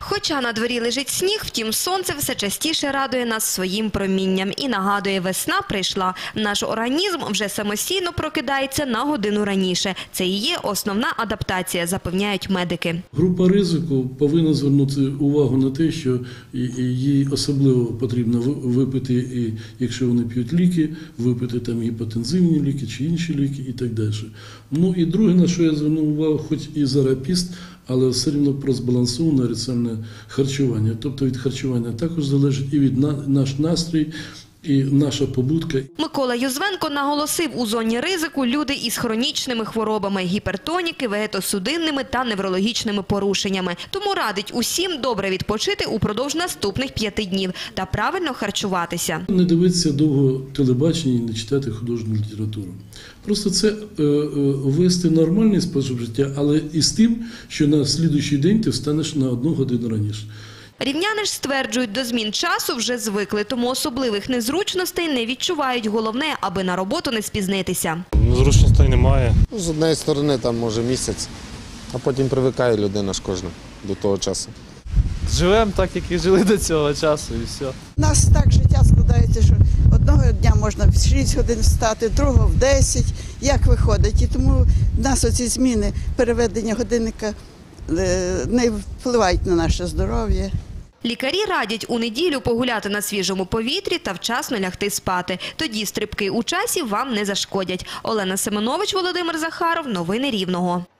Хоча на дворі лежить сніг, втім сонце все частіше радує нас своїм промінням і нагадує, весна прийшла. Наш організм вже самостійно прокидається на годину раніше. Це і є основна адаптація, запевняють медики. Група ризику повинна звернути увагу на те, що їй особливо потрібно випити, і якщо вони п'ють ліки, випити там гіпотензивні ліки чи інші ліки і так далі. Ну і друге, на що я звернув увагу, хоч і зарапіст, але все одно про збалансоване раціональне харчування. Тобто від харчування також залежить і від наш настрій, і наша побудка. Микола Юзвенко наголосив, у зоні ризику люди із хронічними хворобами, гіпертоніки, вегетосудинними та неврологічними порушеннями. Тому радить усім добре відпочити упродовж наступних 5 днів та правильно харчуватися. Не дивитися довго телебачення і не читати художню літературу. Просто це вести нормальний спосіб життя, але і з тим, що на слідуючий день ти встанеш на 1 годину раніше. Рівняни ж стверджують, до змін часу вже звикли, тому особливих незручностей не відчувають. Головне, аби на роботу не спізнитися. Незручностей немає. З однієї сторони, там може місяць, а потім привикає людина ж кожна до того часу. Живемо так, як і жили до цього часу, і все. У нас так життя складається, що одного дня можна в 6 годин встати, другого в 10, як виходить. І тому в нас оці зміни, переведення годинника не впливають на наше здоров'я. Лікарі радять у неділю погуляти на свіжому повітрі та вчасно лягти спати. Тоді стрибки у часі вам не зашкодять. Олена Семенович, Володимир Захаров. Новини Рівного.